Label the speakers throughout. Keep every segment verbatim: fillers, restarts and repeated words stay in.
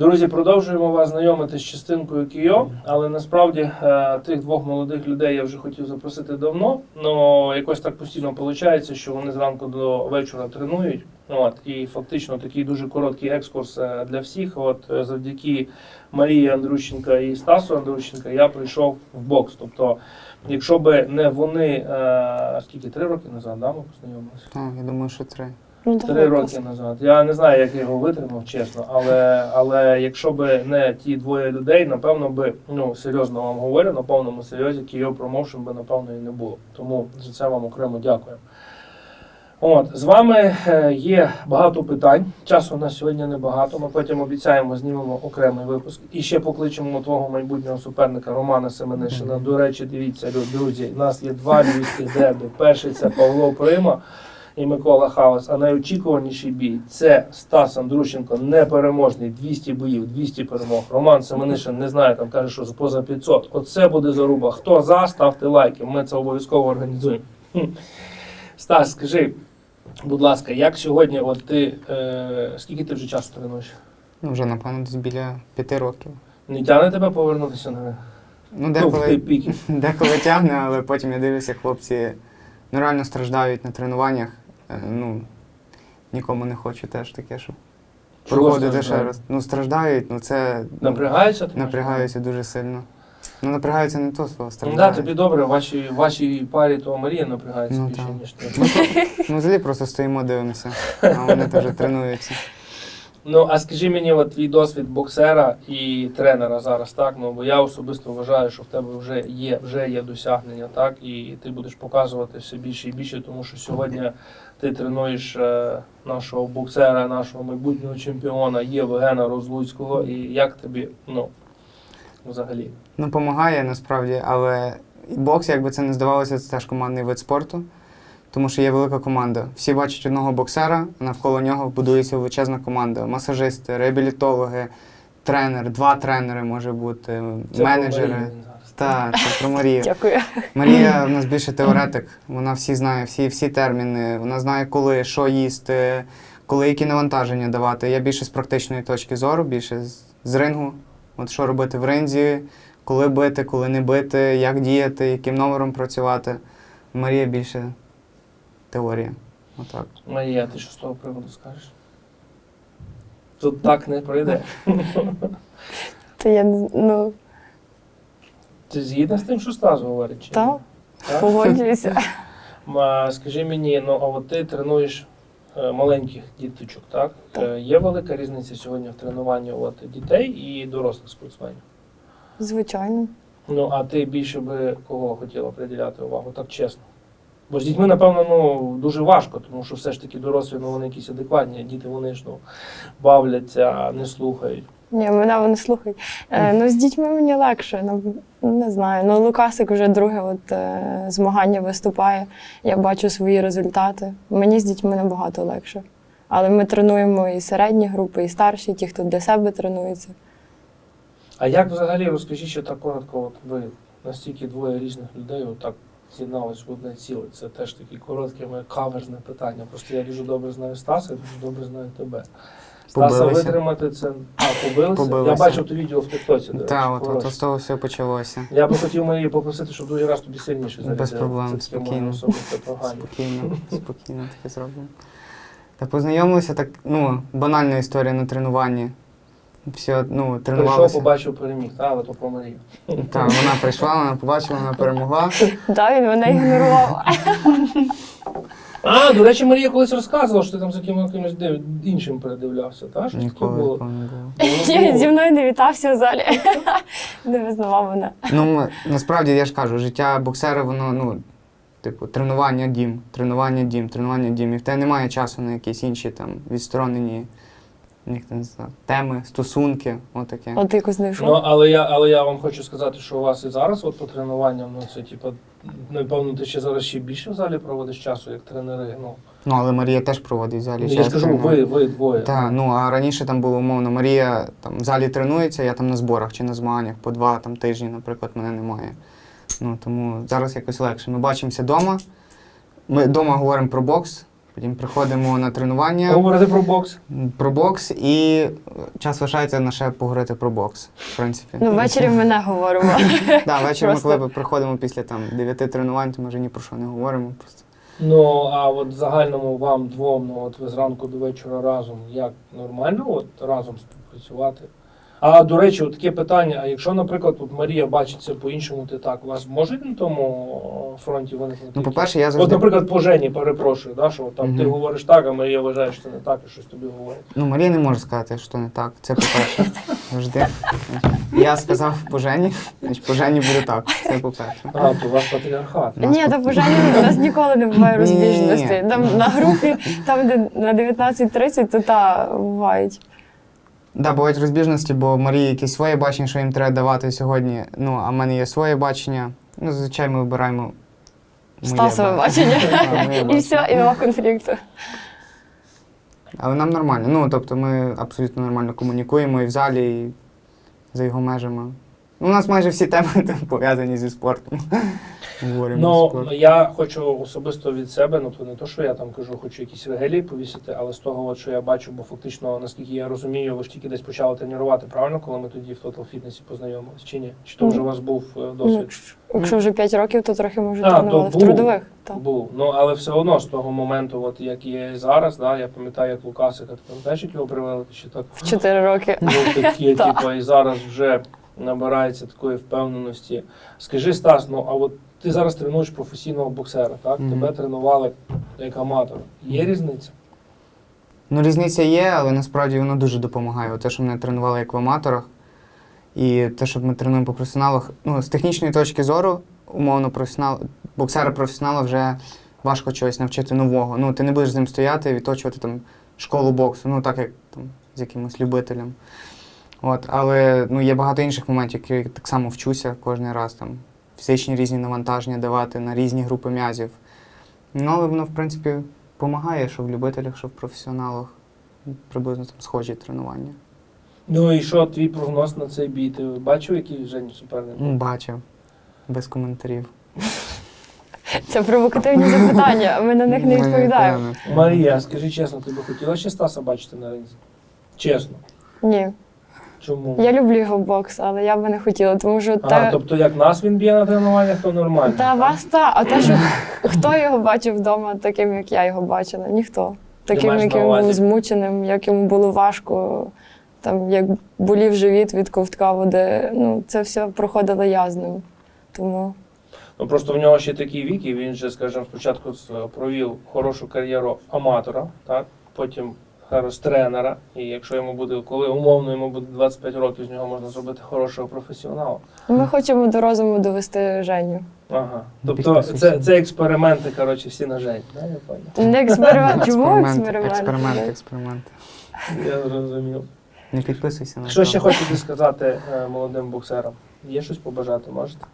Speaker 1: Друзі, продовжуємо вас знайомити з частинкою Кійо, але насправді тих двох молодих людей я вже хотів запросити давно, але якось так постійно виходить, що вони зранку до вечора тренують. От, і фактично такий дуже короткий екскурс для всіх. От завдяки Марії Андрущенка і Стасу Андрущенка я прийшов в бокс. Тобто, якщо б не вони, е, скільки, три роки назад, да, ми познайомилися?
Speaker 2: Так, я думаю, що три.
Speaker 3: Ну,
Speaker 1: Три роки назад. Я не знаю, як я його витримав, чесно, але, але якщо б не ті двоє людей, напевно би, ну, серйозно вам говорю, на повному серйозі Кійо Промоушен би, напевно, і не було. Тому за це вам окремо дякую. От, з вами є багато питань, часу у нас сьогодні небагато, ми потім обіцяємо, знімемо окремий випуск. І ще покличемо твого майбутнього суперника Романа Семенишина. До речі, дивіться, друзі, у нас є два львівських дербі. Перший – це Павло Прима і Микола Хаус, а найочікуваніший бій – це Стас Андрущенко, непереможний, двісті боїв, двісті перемог. Роман Семенишин, не знаю, там каже, що поза п'ятсот. Оце буде заруба. Хто за, ставте лайки, ми це обов'язково організуємо. Стас, скажи, будь ласка, як сьогодні, от ти, е, скільки ти вже часу тренуєш?
Speaker 2: Ну, вже, напевно, десь біля п'яти років.
Speaker 1: Не тягне тебе повернутися на
Speaker 2: Ну,
Speaker 1: в
Speaker 2: деколи,
Speaker 1: той пік?
Speaker 2: деколи тягне, але потім я дивлюся, хлопці ну, реально страждають на тренуваннях. Е, Ну, нікому не хочу теж таке, щоб
Speaker 1: Чого
Speaker 2: проходити ще
Speaker 1: страждають?
Speaker 2: раз. Ну, страждають, ну це ну,
Speaker 1: Напрягаються? ти
Speaker 2: напрягаються дуже сильно. Ну, напрягаються не то слово,
Speaker 1: Ну, да,
Speaker 2: страждають.
Speaker 1: тобі добре, в вашій, в вашій парі то Марія напрягається
Speaker 2: Ну,
Speaker 1: більше,
Speaker 2: так.
Speaker 1: ніж ти.
Speaker 2: Ми взагалі просто стоїмо, дивимося, а вони теж тренуються.
Speaker 1: Ну, а скажи мені, от твій досвід боксера і тренера зараз, так? Ну, бо я особисто вважаю, що в тебе вже є, вже є досягнення, так? І ти будеш показувати все більше і більше, тому що сьогодні ти тренуєш е, нашого боксера, нашого майбутнього чемпіона Євгена Розлуцького. І як тобі, ну, взагалі?
Speaker 2: Ну, допомагає насправді, але і бокс, якби це не здавалося, це теж командний вид спорту, тому що є велика команда. Всі бачать одного боксера, а навколо нього будується величезна команда. Масажисти, реабілітологи, тренер, два тренери може бути,
Speaker 1: Це
Speaker 2: менеджери.
Speaker 1: про Марію він зараз.
Speaker 2: Так, це про Марію.
Speaker 3: Дякую.
Speaker 2: Марія в нас більше теоретик, вона всі знає, всі, всі терміни, вона знає, коли, що їсти, коли які навантаження давати. Я більше з практичної точки зору, більше з, з рингу. От що робити в ринзі, коли бити, коли не бити, як діяти, яким номером працювати. Марія більше теорія. Отак.
Speaker 1: Марія, ти що з того приводу скажеш? Тут так не пройде.
Speaker 3: Та я, не- ну,
Speaker 1: Ти згідна з тим, що Стас говорить? Чи ні?
Speaker 3: так,
Speaker 1: Так?
Speaker 3: погоджуюся.
Speaker 1: А, скажи мені, ну а от ти тренуєш е, маленьких діточок, так?
Speaker 3: Так.
Speaker 1: Е, є велика різниця сьогодні в тренуванні от, дітей і дорослих спортсменів?
Speaker 3: Звичайно.
Speaker 1: Ну, а ти більше би кого хотіла приділяти увагу, так чесно? Бо з дітьми, напевно, ну, дуже важко, тому що все ж таки дорослі, ну, вони якісь адекватні, а діти, вони ж, ну, бавляться, не слухають.
Speaker 3: Ні, мене вони слухають. Е, ну, з дітьми мені легше, ну, не знаю. Ну, Лукасик вже друге от, е, змагання виступає, я бачу свої результати. Мені з дітьми набагато легше. Але ми тренуємо і середні групи, і старші, ті, хто для себе тренується.
Speaker 1: А як взагалі, розкажіть ще так коротко, от ви настільки двоє різних людей отак з'єднались в одне ціле. Це теж таке коротке моє каверзне питання. Просто я дуже добре знаю Стаса, і дуже добре знаю тебе. Стаса
Speaker 2: Побилися.
Speaker 1: витримати це. А, побилися?
Speaker 2: Побилися.
Speaker 1: Я бачив то відео в Тіктоці, до речі.
Speaker 2: Так, от,
Speaker 1: хороше.
Speaker 2: от з того все почалося.
Speaker 1: Я би хотів Марії попросити, щоб другий раз тобі сильніше зарядили.
Speaker 2: Без проблем,
Speaker 1: Це таке моє
Speaker 2: спокійно.
Speaker 1: особисте прохання.
Speaker 2: Спокійно, спокійно таке зробимо. Та познайомилися так, ну, банальна історія на тренуванні. Все, ну,
Speaker 1: Прийшов,
Speaker 2: тренувалися.
Speaker 1: побачив, переміг, та, але то про Марію.
Speaker 2: Так, вона прийшла, вона побачила, вона перемогла.
Speaker 3: Так, він мене ігнорував.
Speaker 1: А, до речі, Марія колись розказувала, що ти там за ким- кимось див- іншим передивлявся, та? Що таке
Speaker 2: Ніколи
Speaker 1: було?
Speaker 2: такого не було.
Speaker 1: Було,
Speaker 3: Зі
Speaker 1: було.
Speaker 3: мною не вітався в залі. Не визнавав мене.
Speaker 2: Ну, м- насправді, я ж кажу, життя боксера, воно, ну, типу, тренування дім, тренування дім, тренування дім. І в тебе немає часу на якісь інші там відсторонені як це називається, теми, стосунки, отаке.
Speaker 3: От якось знайшов.
Speaker 1: Ну, але я, але я вам хочу сказати, що у вас і зараз от по тренуванням, ну це типу, напевно, ти ще зараз ще більше в залі проводиш часу, як тренери. Ну,
Speaker 2: Ну, але Марія теж проводить в залі
Speaker 1: я
Speaker 2: час.
Speaker 1: ж кажу,
Speaker 2: тренувань.
Speaker 1: ви, ви двоє.
Speaker 2: Так, ну а раніше там було умовно, Марія там в залі тренується, я там на зборах чи на змаганнях по два там, тижні, наприклад, мене немає. Ну, тому зараз якось легше. Ми бачимося вдома, ми вдома говоримо про бокс, Потім приходимо на тренування,
Speaker 1: Говорити про бокс.
Speaker 2: про бокс, і час лишається на ще поговорити про бокс, в принципі.
Speaker 3: Ну, ввечері ми не говоримо.
Speaker 2: Да, ввечері ми,
Speaker 3: Просто-
Speaker 2: коли приходимо після там, дев'яти тренувань, то ми вже ні про що не говоримо. Просто.
Speaker 1: Ну, а от в загальному вам двом, ну от ви зранку до вечора разом, як нормально от разом співпрацювати? А до речі, от таке питання: а якщо, наприклад, от Марія бачиться по-іншому, ти так, у вас можуть на тому фронті виникнути?
Speaker 2: Ну,
Speaker 1: якісь-
Speaker 2: по-перше, я
Speaker 1: От,
Speaker 2: завжди...
Speaker 1: наприклад, по Жені, перепрошую, да, що от там ти
Speaker 2: Мгм.
Speaker 1: говориш так, а Марія вважає, що це не так, і щось тобі говорить.
Speaker 2: Ну, Марія не може сказати, що не так. Це по-перше. Завжди. Я сказав по Жені, значить по Жені буде так. Це по-перше.
Speaker 1: А, то у вас патріархат.
Speaker 2: Нас
Speaker 3: Ні, та бажання у нас ніколи не буває
Speaker 2: Ні-ні-ні.
Speaker 3: розбіжності. Там на групі, там де на дев'ятнадцять тридцять, то та бувають.
Speaker 2: Да, бувають розбіжності, бо Марії якісь своє бачення, що їм треба давати сьогодні. Ну, а в мене є своє бачення. Ну, зазвичай ми вибираємо моє
Speaker 3: Стасове бачення.
Speaker 2: Да, моє
Speaker 3: І
Speaker 2: бачення.
Speaker 3: все, і нема конфлікту.
Speaker 2: Але нам нормально. Ну, тобто ми абсолютно нормально комунікуємо і в залі, і за його межами. Ну, у нас майже всі теми там пов'язані зі спортом. Говоримо про
Speaker 1: Ну,
Speaker 2: спорт.
Speaker 1: я хочу особисто від себе, ну то не то, що я там кажу, хочу якісь регелії повісити, але з того, от, що я бачу, бо фактично, наскільки я розумію, ви ж тільки десь почали тренувати, правильно, коли ми тоді в Total Fitness познайомилися, чи ні? Чи то вже у вас був е, досвід?
Speaker 3: Якщо вже п'ять років, то трохи може
Speaker 1: А, то
Speaker 3: тренували в
Speaker 1: був.
Speaker 3: трудових. Так.
Speaker 1: Був. Ну, але все одно з того моменту, от як є зараз, да, я пам'ятаю, як Лукасика, ти пам'ятаєш, як його привели, чи так?
Speaker 3: В чотири роки.
Speaker 1: Ну, такі,
Speaker 3: Так.
Speaker 1: типу, і зараз вже набирається такої впевненості. Скажи, Стас, ну а от ти зараз тренуєш професійного боксера, так?
Speaker 2: Мгм.
Speaker 1: Тебе тренували як аматора. Є різниця?
Speaker 2: Ну, різниця є, але насправді воно дуже допомагає. Те, що мене тренували як в аматорах, і те, що ми тренуємо по професіоналах. Ну, з технічної точки зору, умовно, професіонал, боксера-професіонала вже важко чогось навчити нового. Ну, ти не будеш з ним стояти і відточувати там школу боксу, ну так як там з якимось любителем. От, але ну, є багато інших моментів, які я так само вчуся кожен раз там. Фізичні різні навантаження давати на різні групи м'язів. Ну, але воно, в принципі, допомагає, що в любителях, що в професіоналах. Приблизно там схожі тренування.
Speaker 1: Ну і що твій прогноз на цей бій? Ти бачив, який Жені суперник?
Speaker 2: Ну, бачив. Без коментарів.
Speaker 3: Це провокативні запитання, а ми на них не
Speaker 2: Ми
Speaker 3: відповідаємо.
Speaker 2: певно.
Speaker 1: Марія, скажи чесно, ти би хотіла ще Стаса бачити на ринзі? Чесно.
Speaker 3: Ні.
Speaker 1: Чому?
Speaker 3: Я люблю його бокс, але я би не хотіла, тому що
Speaker 1: Ага,
Speaker 3: те.
Speaker 1: тобто як нас він б'є на тренуваннях, то нормально.
Speaker 3: Та
Speaker 1: так?
Speaker 3: вас та, а те, що хто його бачив вдома таким, як я його бачила? Ніхто. Таким,
Speaker 1: маєш
Speaker 3: як
Speaker 1: на
Speaker 3: він
Speaker 1: увазі?
Speaker 3: був змученим, як йому було важко, там, як болів живіт від ковтка води. Ну, це все проходила я з ним. Тому
Speaker 1: Ну просто в нього ще такий вік, і він же, скажімо, спочатку з- провів хорошу кар'єру аматора, так? Потім зараз тренера. І якщо йому буде, коли умовно йому буде двадцять п'ять років, з нього можна зробити хорошого професіонала.
Speaker 3: ми хочемо до розуму довести Женю.
Speaker 1: Ага. Тобто
Speaker 2: Підписуйся.
Speaker 1: це, це експерименти, коротше, всі на Жень, да? Я поняв.
Speaker 3: Не експеримент. Чому
Speaker 2: Експеримент,
Speaker 3: експеримент?
Speaker 2: експеримент, експеримент.
Speaker 1: Я зрозумів.
Speaker 2: Не підписуйся на
Speaker 1: Що
Speaker 2: це.
Speaker 1: ще хочете сказати е, молодим боксерам? Є щось побажати, можете?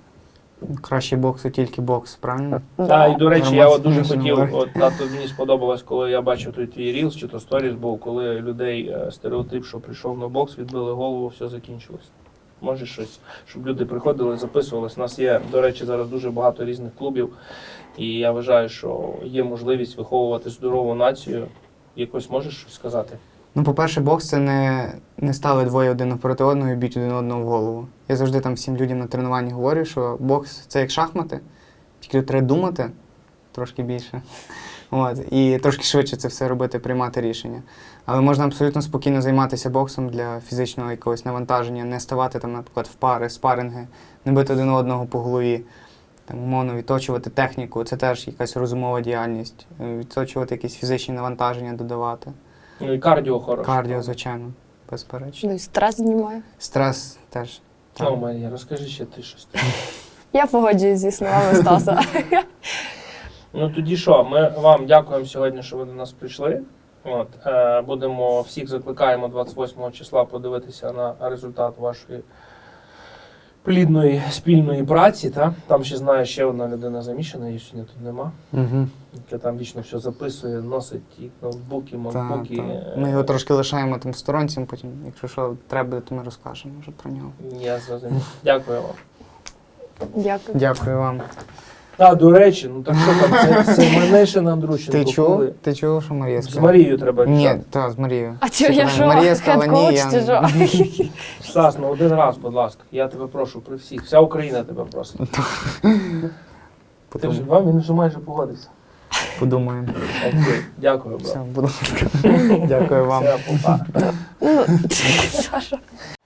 Speaker 2: Краще боксу, тільки бокс, правильно?
Speaker 1: Так, і до речі, я от дуже
Speaker 2: Нормально.
Speaker 1: хотів, от тато мені сподобалось, коли я бачив той твій рілс чи то сторіс був, коли людей е, стереотип, що прийшов на бокс, відбили голову, все закінчилось. Може щось, щоб люди приходили, записувались. У нас є, до речі, зараз дуже багато різних клубів, і я вважаю, що є можливість виховувати здорову націю. Якось можеш щось сказати?
Speaker 2: Ну, по-перше, бокс це не, не стали двоє один напроти одного і б'ють один одного в голову. Я завжди там всім людям на тренуванні говорю, що бокс це як шахмати, тільки тут треба думати трошки більше. От, і трошки швидше це все робити, приймати рішення. Але можна абсолютно спокійно займатися боксом для фізичного якогось навантаження, не ставати там, наприклад, в пари, спаринги, не бити один одного по голові. Там, умовно, відточувати техніку, це теж якась розумова діяльність. Е, Відточувати якісь фізичні навантаження, додавати.
Speaker 1: Ну і кардіо хороше.
Speaker 2: Кардіо, звичайно, безперечно.
Speaker 3: Ну, і стрес знімає.
Speaker 2: Стрес теж.
Speaker 1: Ну,
Speaker 2: Так.
Speaker 1: Марія, розкажи ще ти щось.
Speaker 3: Я погоджуюсь зі словами Стаса.
Speaker 1: Ну тоді що, ми вам дякуємо сьогодні, що ви до нас прийшли. От, е, будемо всіх закликаємо двадцять восьмого числа подивитися на результат вашої плідної спільної праці. Та? Там ще знаю, ще одна людина замішана, її сьогодні тут нема.
Speaker 2: Угу.
Speaker 1: Яка там вічно все записує, носить і ноутбуки,
Speaker 2: Так,
Speaker 1: макбуки.
Speaker 2: так.
Speaker 1: е,
Speaker 2: Ми його трошки лишаємо там сторонцям, потім, якщо що треба, то ми розкажемо вже про нього.
Speaker 1: Я зрозумів. Дякую вам.
Speaker 3: Дякую.
Speaker 2: Дякую вам.
Speaker 1: А, до речі, ну так що там, це, це мене ще на Андрущенко.
Speaker 2: Ти чув?
Speaker 1: коли?
Speaker 2: Ти чув, що Марія
Speaker 1: З
Speaker 2: сказала?
Speaker 1: Марією треба
Speaker 2: Ні,
Speaker 1: рішати.
Speaker 2: так, з Марією.
Speaker 3: А чого я що?
Speaker 2: Марія сказала, ні,
Speaker 3: Хед-коуч
Speaker 2: я...
Speaker 3: чи що?
Speaker 1: Стас, ну один раз, будь ласка, я тебе прошу при всіх. Вся Україна тебе просить. Ти вже вам, він вже майже погодився.
Speaker 2: Подумаємо.
Speaker 1: Окей, дякую,
Speaker 2: Все,
Speaker 1: брат.
Speaker 2: будь ласка. Дякую вам.
Speaker 1: Все, па-па.
Speaker 3: Ну, Саша.